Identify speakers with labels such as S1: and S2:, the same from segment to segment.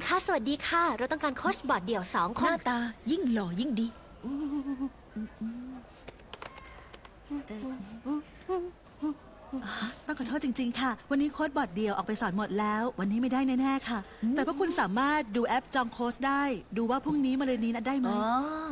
S1: คะสวัสดีค่ะ เราต้องการโค้ชบอร์ดเดี่ยว2 ค
S2: ห
S1: น
S2: น้าตายิ่งหล่อยิ่งดี
S3: ต้องขอโทษจริงๆ ค่ะ วันนี้โค้ดบอร์ดเดียวออกไปสอนหมดแล้ว วันนี้ไม่ได้แน่ๆ ค่ะ แต่พวกคุณสามารถดูแอปจองโค้ชได้ ดูว่าพรุ่งนี้มะรืนนี้นะได้ไหม
S2: อ๋อ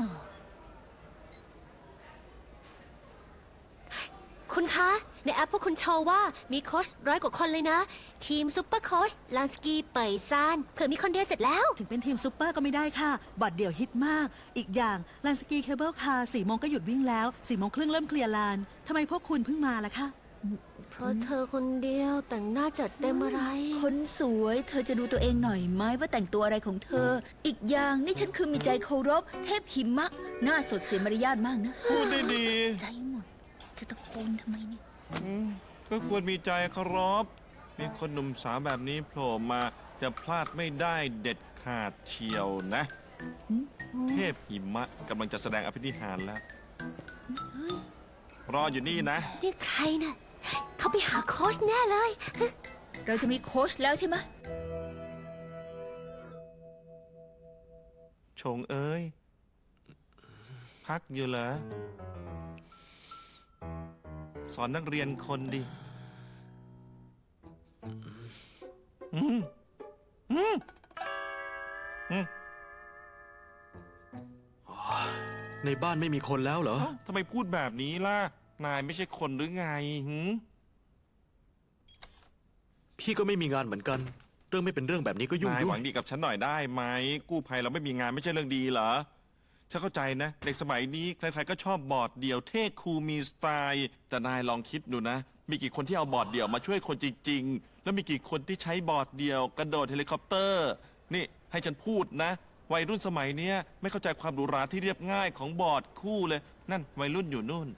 S1: คุณคะ ในแอปพวกคุณโชว์ว่ามีโค้ช100 กว่าคนเลยนะ ทีมซุปเปอร์โค้ชลานสกีเป่ยซานเผื่อมีคนเดียวเสร็จแล้ว
S3: ถึงเป็นทีมซูเปอร์ก็ไม่ได้ค่ะ บอร์ดเดี่ยวฮิตมาก อีกอย่างลานสกีเคเบิลคาร์4 โมงก็หยุดวิ่งแล้ว4 โมงครึ่งเริ่มเคลียร์ลานทำไมพวกคุณเพิ่งมาล่ะคะ
S1: เพราะเธอคนเดียวแต่งหน้าจัดเต็มอะไร
S2: คนสวยเธอจะดูตัวเองหน่อยไหมว่าแต่งตัวอะไรของเธอ อีกอย่างนี่ฉันคือมีใจเคารพเทพหิมะหน้าสดเสียมารยาทมากนะ
S4: พูดได้ดี
S2: ใจหมดเธอตะโกนทำไมเนี่ย
S4: ก็ควรมีใจเคารพมีคนหนุ่มสาวแบบนี้โผล่มาจะพลาดไม่ได้เด็ดขาดเชียวนะ เทพหิมะกำลังจะแสดงอภินิหารแล้ว รออยู่นี่นะ
S1: นี่ใครน่ะ เขาไปหาโค้ชแน่เลย
S2: เราจะมีโค้ชแล้วใช่ไหม
S4: ชงเอ้ย พักอยู่เหรอ สอนนักเรียนคนดิอืมอืมอืม
S5: ในบ้านไม่มีคนแล้วเหรอ
S4: เอ้าทำไมพูดแบบนี้ล่ะ นายไม่ใช่คนหรือไงหืม
S5: พี่ก็ไม่มีงานเหมือนกัน เรื่องไม่เป็นเรื่องแบบนี้ก็ยุ่ง
S4: นาย
S5: ด้
S4: ห
S5: ว
S4: วั
S5: ย
S4: งดีกับฉันหน่อยได้ไหม กู้ภัยเราไม่มีงานไม่ใช่เรื่องดีเหรอ ฉันเข้าใจนะเด็กสมัยนี้ใครๆก็ชอบบอร์ดเดี่ยวเท่คูลมีสไตล์ แต่นายลองคิดดูนะ มีกี่คนที่เอาบอร์ดเดี่ยวมาช่วยคนจริงๆ แล้วมีกี่คนที่ใช้บอร์ดเดี่ยวกระโดดเฮลิคอปเตอร์ นี่ให้ฉันพูดนะ วัยรุ่นสมัยเนี้ยไม่เข้าใจความหรูหราที่เรียบง่ายของบอร์ดคู่เลย นั่นวัยรุ่นอยู่นู่น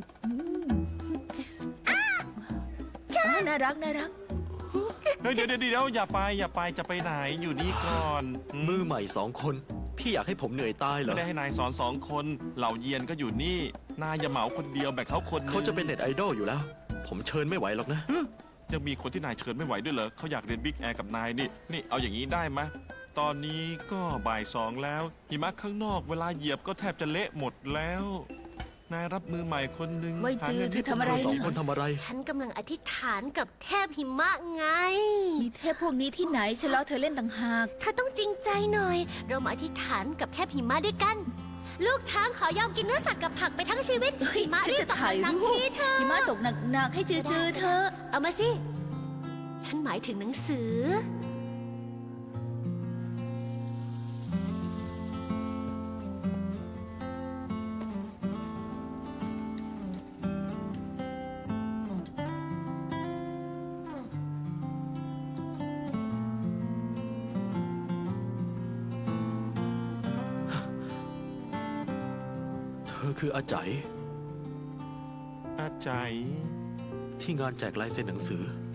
S2: น่ารักน่ารัก
S4: เฮ้ยเดี๋ยวอย่าไปจะไปไหนอยู่นี่ก่อน
S5: มือใหม่2 คน พี่อยากให้ผมเหนื่อยตายเหร
S4: ไม่
S5: อ
S4: ได้ให้นายสอน2 คน เหล่าเยียนก็อยู่นี่ นายอย่าเหมาคนเดียวแบ่งเขาคนหนึ่ง
S5: เขาจะเป็นเน็ตไอดอลอยู่แล้ว ผมเชิญไม่ไหวหรอกนะ
S4: ยังมีคนที่นายเชิญไม่ไหวด้วยเหรอเขาอยากเรียนบิ๊กแอร์กับนายนี่เอาอย่างนี้ได้ไหมตอนนี้ก็บ่าย2แล้วหิมะข้างนอกเวลาเหยียบก็แทบจะเละหมดแล้ว นายรับมือใหม่คนหนึ่ง
S2: ไว้จือ
S4: หางิน
S2: เธอทำอะไร
S5: เรา2 คนทำอะไร
S1: ฉันกำลังอธิษฐานกับเทพหิมะไง
S2: มีเทพพวกนี้ที่ไหนฉันล้อเธอเล่นต่างหาก
S1: เธอต้องจริงใจหน่อย เรามาอธิษฐานกับเทพหิมะด้วยกัน ลูกช้างขอยอมกินเนื้อสัตว์กับผักไปทั้งชีวิต
S2: เฮ้ย
S1: หิมะ
S2: ฉัน
S1: รีบ
S2: จะ
S1: ตก
S2: ถ่าย
S1: หนัก
S2: รู
S1: ๆ
S2: ป
S1: ทีเธอ
S2: หิมะตกหนักๆให้จือๆเธอ
S1: เอามาสิ ฉันหมายถึงหนังสือ
S5: เธอคืออาใจ
S4: อาใจย
S5: ที่งานแจกลายเซ็นหนังสือ